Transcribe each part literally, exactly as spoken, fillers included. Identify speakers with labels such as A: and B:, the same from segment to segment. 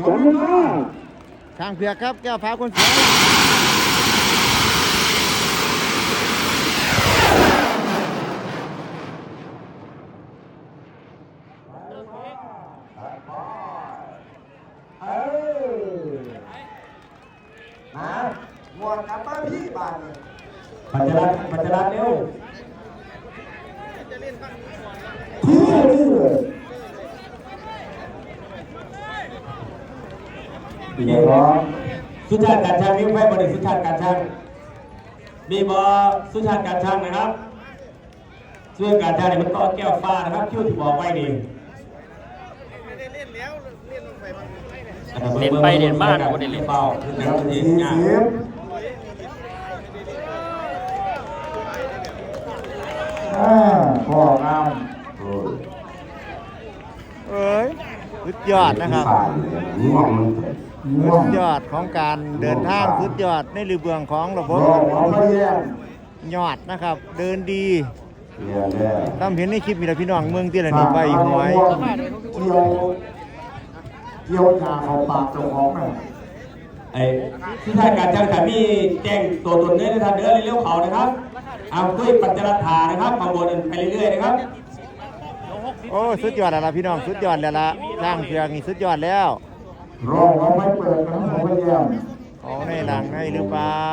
A: สองหนึ่งห้า
B: ช้างเผือกครับแก้วฟ้าคนสวย
C: มาหมดกลับมาพี่บ้าน
A: ปัจจรัดปัจจรัดเร็วที่นี่บอสุชาติการช่างนี่ไม่บริสุชาติการช่างมีบอสุชาติการช่างนะครับช่วยการช่างเนี่ยมันต่อแก้วฟ้านะครับคิ้วที่บอกไว้ดี
D: เล่นไปเล่นมาคนเล่นเปล่า
A: คือแล้วทีนี้พ่องาม
B: เอ้ยสุดยอดนะครับสุดยอดของการเดินทางสุดยอดในรูเบืองของระบบยอดนะครับเดินดีตามเห็นในคลิปมีแต่พี่น้องเมืองที่ละนี่ใบหวย
A: เกี่ยวเกี่ยวยาเขาปากเจ้าของน่ะไอ้ที่ท่านการจ้างแต่มีแจ้งตัวตนเนื้อในทางเนื้อเลี้ยวเขานะครับเอาด้วยปัจจรัฐานะครับมาบนไปเรื่อยๆนะครับ
B: โอ้สุดยอดแล้วล่ะพี่น้องสุดยอดแล้วล่ะสร้างเพียงนี่สุดยอดแล้ว
A: รอเขาไม่เปิดกันผมก็เยี่ยม
B: เขาในหลังให้หรือเปล่า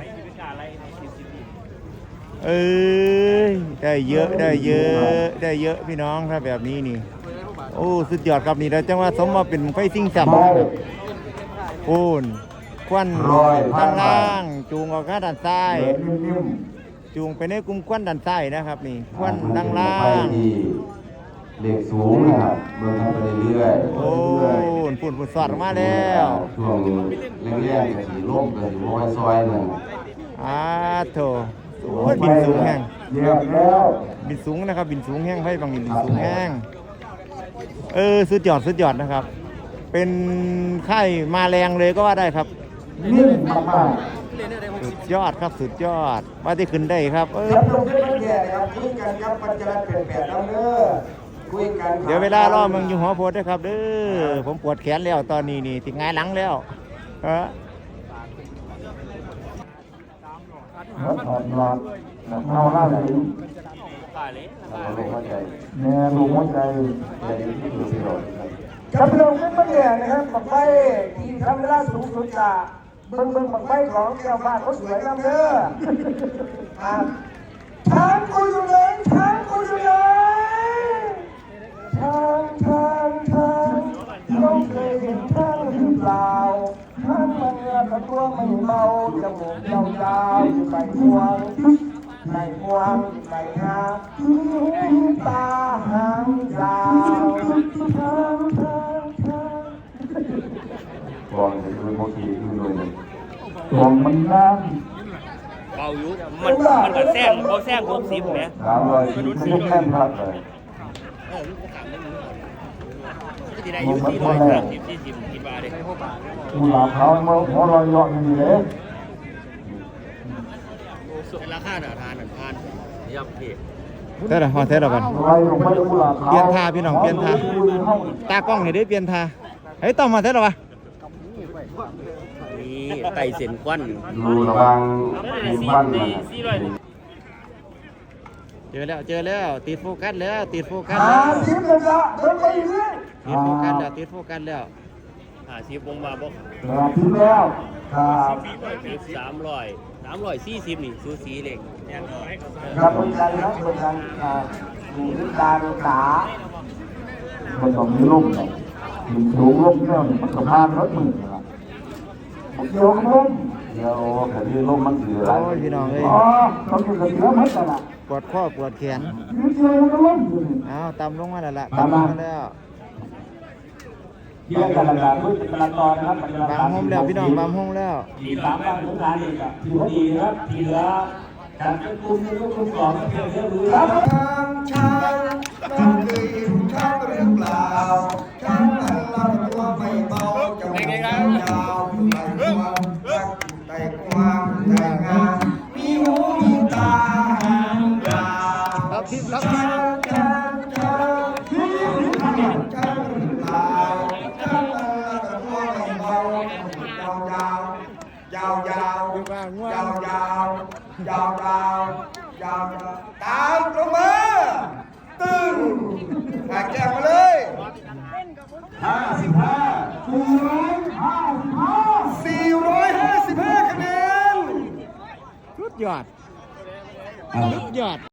B: เอ้ยได้เยอะได้เยอะได้เยอะพี่น้องถ้าแบบนี้นี่โอ้สุดยอดครับนี่เราจังว่าสมมาเป็นไฟซิ่งแซมโอ้นควันข้างล่างจูงออกข้างด้านซ้ายจูงไปในกลุ่มควันด้านซ้ายนะครับนี่ควันด้านล่าง
A: เหล็กสูงนะครับเมืองทำไปเรื่อยๆ
B: โอ้นฝุ่นฝุ่นสอดมาแล้ว
A: ช่วงแรกๆสีล่มกับสีโม้ซอยหนึ่ง
B: อ่าโถโอ้ยบินสูงแห้ง
A: เยี่ยมแล้ว
B: บินสูงนะครับบินสูงแห้งให้บางบินสูงแห้งเออสุดยอดสุดยอดนะครับเป็นค่ายมาแรงเลยก็ว่าได้ครับ
A: นิ่มมาก
B: ๆสุดยอดครับสุดยอดว่าที่ขึ้นได้ครับเออ
C: ลงที่มันแย่ครับคุยกันครับปัจจัยเปลี่ยนแปลงแล้วเด้อคุยกัน
B: เดี๋ยวเวลารอมึงอยู่หัวโพดด้วยครับเด้อผมปวดแขนแล้วตอนนี้นี่ติดงายหลังแล้วฮะ
A: ถอดหลอดเอาล่าเลยแม่ลงหัวใจใจที่ดูสิโดด
C: ครับลงที่มันแย่นะครับปักไฟทีมทำเวลาสูงสุดจะเบิ่งเบิ่งปักไฟของแก้วฟ้าเขาสวยงามเด้อช้างกูอยู่ไหนช้างกูอยู่ไหนช้างช้างช้างน้องเคยเห็นช้างหรือเปล่าช้างมันเงือกตัวไม่เมาจมูกยาวๆอยู่ใบงวงใบงวงใบงามีหูตาหางยาวช้างช้างช้าง
A: กองจะเป็นโมกีขึ้นเลยกองมันนั่ง
D: เบาอยู่มันมันก็แซงเขาแซงหกสิบเนี่ย
A: สามร้อยสิบไม่แน่นพักเลย
D: ที่ได้อยู่ที่ร้อยสามสิบสี่สิบคิดว่าเลย
A: มูลค่าเขาเขาลอยยอดอย่างนี้เลย
D: ราคาหนาทานหนาทานยับเพีย
B: เท่าไหร่พอเท่าไหร่กันเปลี่ยนท่าพี่น้องเปลี่ยนท่าตากล้องเห็นได้เปลี่ยนท่าเฮ้ยต้องมาเท่าไหร่วะ
D: นี่ไต่เส้นควัน
A: ดูระวังมีควัน
B: เจอแล้วเจอแล้วติดโฟกัสแล้วติดโฟกัส
C: แล้วติดโฟกัสแล้วติ
B: ดโฟกัสแล้วติดโฟกัสแล้ว
D: หาชีพวงมาบอก
A: ติดแล้วครับ
D: สามร้อยสามร้อยสี่สิบนี่ซูซีเล็ก
C: ครับคนกันครับคนกันดูด้วยตาดูตา
A: มันต้องมีร่มเนี่ยมีสูงร่มเนี่ยมันสะพานรถมือครับผมโยกร่มเดี๋ยวแต่ที่ร่มมันถืออะไร
B: โอ้ยพี่น้องเลย
A: อ๋อต้องอยู่กับเสือมันกันอ่ะ
B: ปวดข้อปวดแขนอ้าวต่ำลงมาแล้วล่ะต่ำลงมาแล้ว
A: เยี่ยมกันละพุทธกระตอนนะครับ
B: บางห้องแล้วพี่น้องบางห้องแล้ว
A: ทีสามบางทุกการอีกทีดีครับทีเหลือจัดเป็นกลุ่มหนึ่งกลุ่มสองเพื่อเพื่อมือครับ
C: ช้างช้างน้องเคยเห็นช้างหรือเปล่าช้างมันลำตัวไม่เบาจมูกยาวอยู่ใบงวงรักใบกว้างใบงามมีหูมีตาหางยาวช้างช้างช้างช้างช้างหรือเปล่าช้างมันลำตัวยาวยาวยาวยาวยาวยาวยาวยาวยาวตามตรงมาตึงหาแจกมาเลยห้าสิบห้าสี่ร้อยห้าสิบห้าสี่ร้อยห้าสิบห้าคะแนน
B: สุดยอดสุดยอด